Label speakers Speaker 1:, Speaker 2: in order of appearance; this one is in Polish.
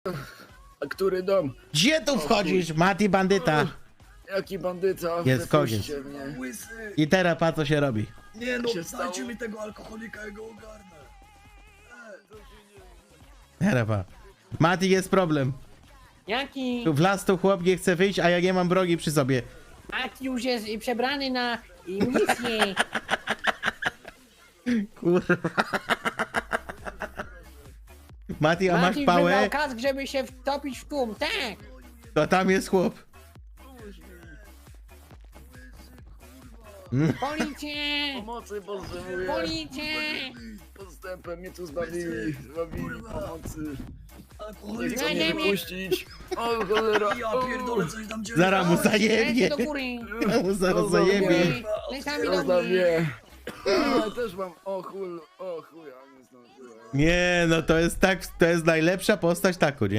Speaker 1: A który dom?
Speaker 2: Gdzie tu wchodzisz, Mati bandyta?
Speaker 1: Jaki bandyta?
Speaker 2: Jest
Speaker 1: Wypuśćcie
Speaker 2: koniec.
Speaker 1: mnie.
Speaker 3: Łysy!
Speaker 2: I teraz pa co się robi.
Speaker 3: Nie no,
Speaker 1: się stało?
Speaker 3: dajcie mi tego alkoholika, ja go ogarnę.
Speaker 2: Teraz pa. Mati, jest problem.
Speaker 4: Jaki?
Speaker 2: Tu w las tu chłop nie chce wyjść, a ja nie mam brogi przy sobie.
Speaker 4: Mati już jest przebrany na misję.
Speaker 2: Kurwa. Mati, a masz
Speaker 4: Mati już wybrał
Speaker 2: pałę?
Speaker 4: kask, żeby się wtopić w tłum, tak!
Speaker 2: To tam jest chłop.
Speaker 4: Policję!
Speaker 1: Pomocy potrzebuję.
Speaker 4: Policję!
Speaker 1: Podstępem mnie tu zbawili. Pomocy. Nie
Speaker 3: Alkoholik,
Speaker 1: chcą mnie
Speaker 4: Znajdziemy.
Speaker 1: wypuścić. O cholera.
Speaker 3: ja pierdolę, coś tam dzieje.
Speaker 2: Zaraz mu
Speaker 4: Lecie
Speaker 2: zajebie.
Speaker 4: do góry!
Speaker 2: Ja mu zaraz
Speaker 1: Do
Speaker 2: zajebie.
Speaker 4: Góry! Lecami do
Speaker 1: Zostaw
Speaker 4: mnie!
Speaker 1: mnie. Ja też mam. O chuj, ja nie zdążyłem.
Speaker 2: Nie, no to jest najlepsza postać taku, nie?